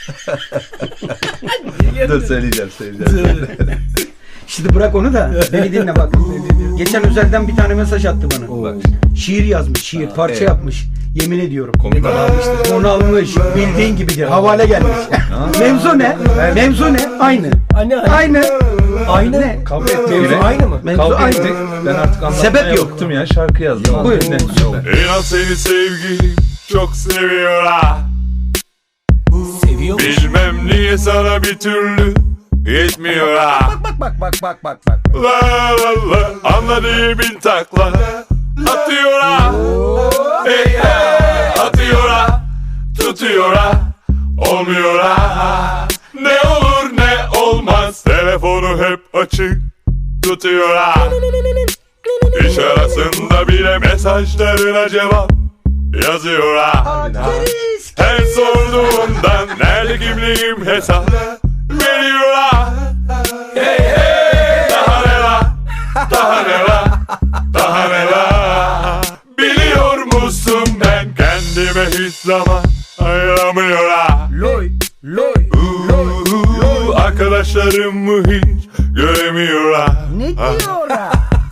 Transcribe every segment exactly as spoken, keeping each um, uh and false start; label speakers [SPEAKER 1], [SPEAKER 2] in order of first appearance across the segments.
[SPEAKER 1] Dur söyleyeceğim söyleyeceğim.
[SPEAKER 2] Şimdi bırak onu da beni dinle bak. Geçen özelden bir tane mesaj attı bana.
[SPEAKER 1] Bak.
[SPEAKER 2] Şiir yazmış, şiir, parça
[SPEAKER 1] evet.
[SPEAKER 2] yapmış. Yemin ediyorum.
[SPEAKER 1] Komik adam işte.
[SPEAKER 2] Onu almış, bildiğin gibidir. Havale gelmiş. Mevzu ne? Mevzu ne? Aynı.
[SPEAKER 3] Anne, anne.
[SPEAKER 2] Aynı.
[SPEAKER 3] Aynı.
[SPEAKER 2] Ne?
[SPEAKER 1] Kavga ettik.
[SPEAKER 3] Mevzu
[SPEAKER 1] yine.
[SPEAKER 3] aynı mı?
[SPEAKER 2] Mevzu
[SPEAKER 1] Kavga
[SPEAKER 2] aynı.
[SPEAKER 1] ettik. Ben artık anlatmaya
[SPEAKER 2] Sebep yok.
[SPEAKER 1] bıktım ya. Şarkı yazdım.
[SPEAKER 2] Buyurun.
[SPEAKER 1] Dinle. Süper.
[SPEAKER 4] İnan seni sevgilim çok seviyor ha.
[SPEAKER 3] Seviyormuş.
[SPEAKER 4] Bilmem niye sana bir türlü yetmiyor ha.
[SPEAKER 2] Bak bak bak bak bak bak.
[SPEAKER 4] La la la anladığı bin takla atıyor ha. Hey hey atıyor ha. Tutuyor ha. Olmuyor ha. Ne olur ne olmaz telefonu hep açık tutuyor ha. İş arasında bile mesajlarına cevap yazıyor ha. Her sorduğumdan nerede kimliğim hesap veriyor ha. Hey hey daha ne la daha ne la daha ne la. Biliyor musun ben kendime hiç zaman ayıramıyor ha.
[SPEAKER 2] Loy, loy.
[SPEAKER 4] Uuu, arkadaşlarımı hiç göremiyor ha.
[SPEAKER 2] Ne diyor ha?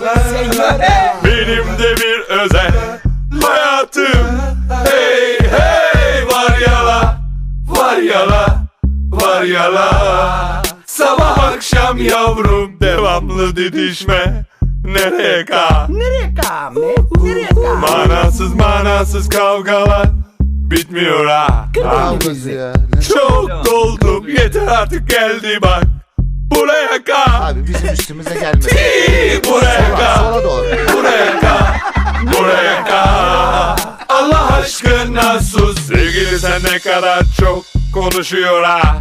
[SPEAKER 4] Benim de bir özel hayatım. Hey hey var ya la var ya la var ya la. Sabah akşam yavrum devamlı didişme. Nereye ka?
[SPEAKER 2] Nereye kame? Nereye kame?
[SPEAKER 4] Manasız manasız kavgalar bitmiyor ha.
[SPEAKER 5] Kavgası ya. Ne-
[SPEAKER 4] Çok doldum yeter artık geldi bak. Buraya ka.
[SPEAKER 5] Abi bizim üstümüze gelme.
[SPEAKER 4] Buraya
[SPEAKER 5] Sola,
[SPEAKER 4] ka.
[SPEAKER 5] sola doğru.
[SPEAKER 4] Buraya ka. Buraya ka. Allah aşkına sus. Sevgili sen ne kadar çok konuşuyor ha.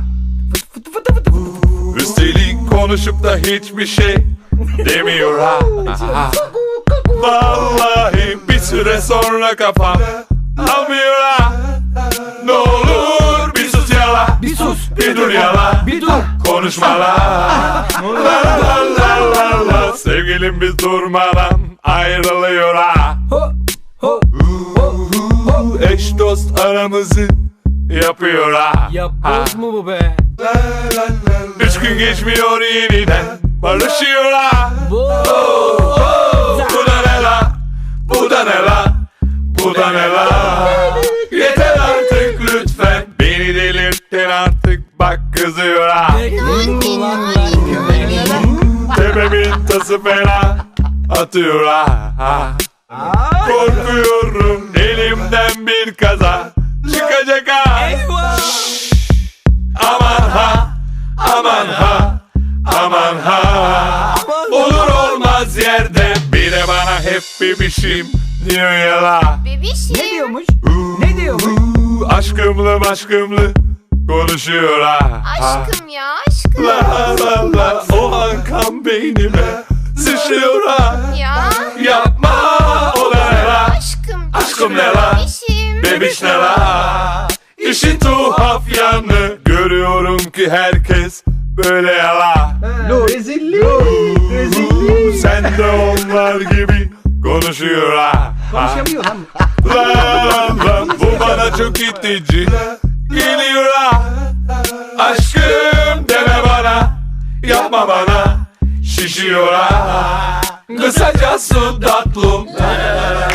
[SPEAKER 4] Üstelik konuşup da hiçbir şey demiyor ha. Vallahi bir süre sonra kafam almıyor ha. Ne olur bir sus yala.
[SPEAKER 2] Bir sus.
[SPEAKER 4] Bir dur yala.
[SPEAKER 2] Bir dur.
[SPEAKER 4] Konuşma la. La la la la la. Sevgilim biz durmadan ayrılıyor ha. Eş dost aramızı yapıyor ha.
[SPEAKER 3] Yapboz mu bu be?
[SPEAKER 4] Üç gün geçmiyor yeniden barışıyor ha.
[SPEAKER 3] Bu.
[SPEAKER 4] Bu da ne la? Bu da ne la? Bu da ne la? Yeter artık lütfen. Beni delirttin artık bak kızıyor ha. Tepemin tası fena atıyor ha. Korkuyorum elimden bir kaza çıkacak ha. Aman ha, aman ha, aman ha. Olur olmaz yerde bir de bana hep bebişim diyor ya la.
[SPEAKER 6] Bebişim.
[SPEAKER 2] Ne diyormuş? Ne diyormuş?
[SPEAKER 4] Uuu, aşkımlı aşkımlı konuşuyor ha.
[SPEAKER 6] Aşkım ya aşkım.
[SPEAKER 4] La la la o an kan beynime sıçrıyor ha.
[SPEAKER 6] Ya.
[SPEAKER 4] Yapma o da ne la?
[SPEAKER 6] Aşkım.
[SPEAKER 4] Aşkım ne la?
[SPEAKER 6] Bebişim.
[SPEAKER 4] Bebiş ne la? İşin tuhaf yanı görüyorum ki herkes böyle yala.
[SPEAKER 2] Lo rezillik. Rezillik.
[SPEAKER 4] Sen de onlar gibi konuşuyor ha.
[SPEAKER 2] Konuşamıyor lan.
[SPEAKER 4] La la la bu bana çok itici geliyor ha. Aşkım deme bana, yapma bana, şişiyor ha. Kısacası tatlım.